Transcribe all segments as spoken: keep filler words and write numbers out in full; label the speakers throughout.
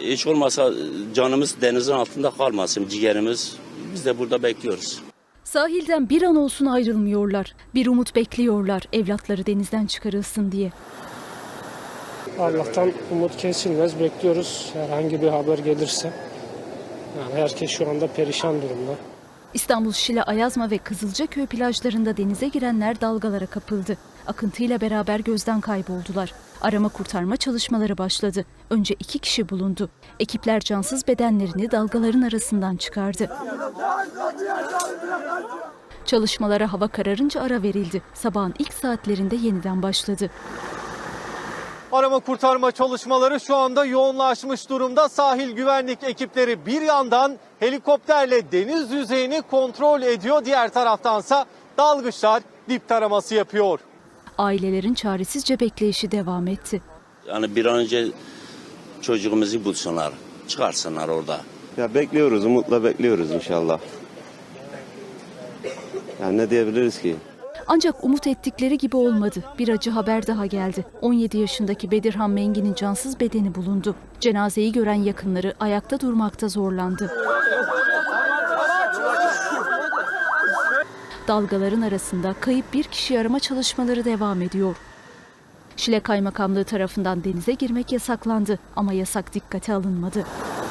Speaker 1: hiç olmasa canımız denizin altında kalmasın, ciğerimiz. Biz de burada bekliyoruz.
Speaker 2: Sahilden bir an olsun ayrılmıyorlar. Bir umut bekliyorlar evlatları denizden çıkarılsın diye.
Speaker 3: Allah'tan umut kesilmez. Bekliyoruz herhangi bir haber gelirse. Yani herkes şu anda perişan durumda.
Speaker 2: İstanbul, Şile, Ayazma ve Kızılcaköy plajlarında denize girenler dalgalara kapıldı. Akıntıyla beraber gözden kayboldular. Arama kurtarma çalışmaları başladı. Önce iki kişi bulundu. Ekipler cansız bedenlerini dalgaların arasından çıkardı. Çalışmalara hava kararınca ara verildi. Sabahın ilk saatlerinde yeniden başladı.
Speaker 4: Arama kurtarma çalışmaları şu anda yoğunlaşmış durumda. Sahil güvenlik ekipleri bir yandan helikopterle deniz yüzeyini kontrol ediyor. Diğer taraftansa dalgıçlar dip taraması yapıyor.
Speaker 2: Ailelerin çaresizce bekleyişi devam etti.
Speaker 1: Yani bir an önce çocuğumuzu bulsunlar, çıkarsınlar orada.
Speaker 5: Ya bekliyoruz, umutla bekliyoruz inşallah. Yani ne diyebiliriz ki?
Speaker 2: Ancak umut ettikleri gibi olmadı. Bir acı haber daha geldi. on yedi yaşındaki Bedirhan Mengi'nin cansız bedeni bulundu. Cenazeyi gören yakınları ayakta durmakta zorlandı. Dalgaların arasında kayıp bir kişi arama çalışmaları devam ediyor. Şile Kaymakamlığı tarafından denize girmek yasaklandı ama yasak dikkate alınmadı.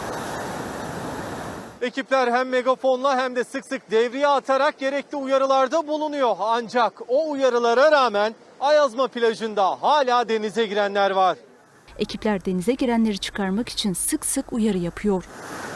Speaker 4: Ekipler hem megafonla hem de sık sık devriye atarak gerekli uyarılarda bulunuyor. Ancak o uyarılara rağmen Ayazma plajında hala denize girenler var.
Speaker 2: Ekipler denize girenleri çıkarmak için sık sık uyarı yapıyor.